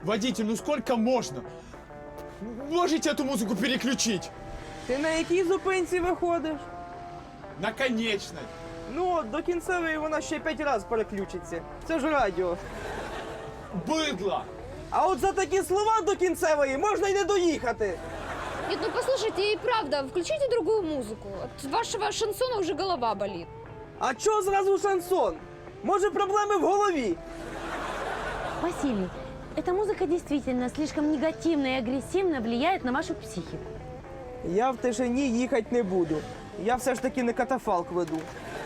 Водитель, ну сколько можно? Можете эту музыку переключить? Ти на якій зупинці виходиш? На конечной. Ну, от, до кінцевої вона ще 5 разів переключиться. Це ж радіо. Быдло! А от за такі слова до кінцевої можна й не доїхати. Нет, ну послушайте, и правда, включите другую музыку. От вашего шансона уже голова болит. А чого зразу шансон? Може, проблеми в голові? Василий, эта музыка действительно слишком негативно и агрессивно влияет на вашу психику. Я в тишині їхати не буду. Я все ж таки не катафалк веду.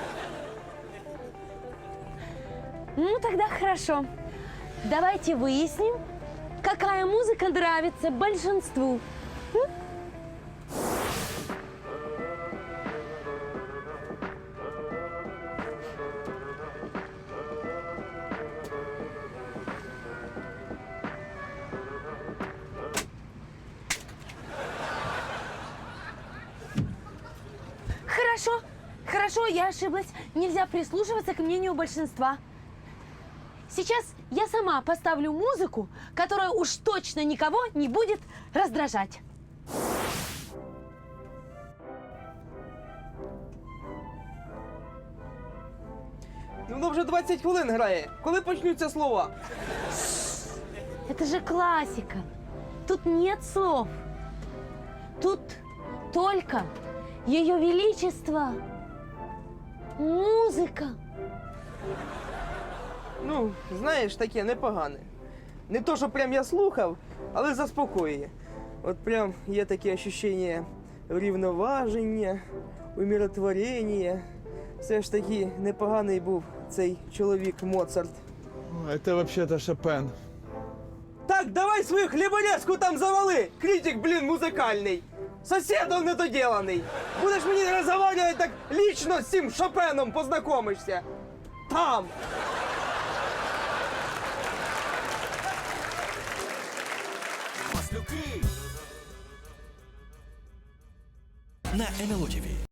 Ну, тогда хорошо. Давайте выясним, какая музыка нравится большинству. Хорошо, хорошо, я ошиблась. Нельзя прислушиваться к мнению большинства. Сейчас я сама поставлю музыку, которая уж точно никого не будет раздражать. Ну, воно вже 20 хвилин грає. Коли почнуться слова? Это же классика. Тут нет слов. Тут только Ее Величество. Музыка. Ну, знаєш, таке непогане. Не то, що прям я слухав, але заспокоює. От прям є таке ощущення врівноваження, умиротворення. Все ж таки непоганий був цей чоловік Моцарт. Это вообще-то Шопен. Так, давай свою хліборезку там завали! Критик, блін, музикальний! Сусідом недоділений! Будеш мені розмовляти так лічно з цим Шопеном познайомишся! Там! На НЛО ТВ.